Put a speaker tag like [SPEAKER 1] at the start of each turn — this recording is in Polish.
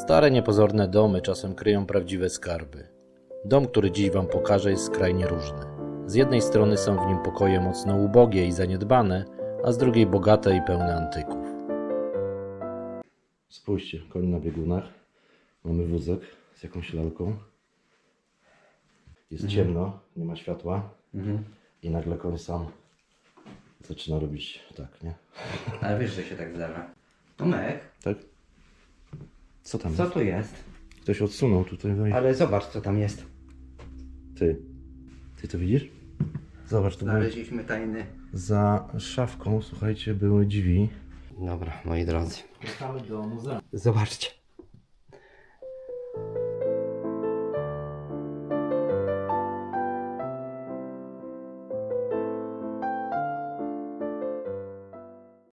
[SPEAKER 1] Stare, niepozorne domy czasem kryją prawdziwe skarby. Dom, który dziś wam pokażę, jest skrajnie różny. Z jednej strony są w nim pokoje mocno ubogie i zaniedbane, a z drugiej bogate i pełne antyków. Spójrzcie, koń na biegunach. Mamy wózek z jakąś lalką. Jest ciemno, nie ma światła. I nagle koń sam zaczyna robić tak, nie?
[SPEAKER 2] Ale wiesz, że się tak zdarza. Tomek,
[SPEAKER 1] Tak? Co tam
[SPEAKER 2] co
[SPEAKER 1] jest?
[SPEAKER 2] to jest?
[SPEAKER 1] Ktoś odsunął tutaj. No i...
[SPEAKER 2] Ale zobacz, co tam jest.
[SPEAKER 1] Ty to widzisz? Zobacz, tu były...
[SPEAKER 2] Znaleźliśmy tajny.
[SPEAKER 1] Za szafką, słuchajcie, były drzwi.
[SPEAKER 2] Dobra, moi drodzy.
[SPEAKER 1] Wracamy do muzeum.
[SPEAKER 2] Zobaczcie.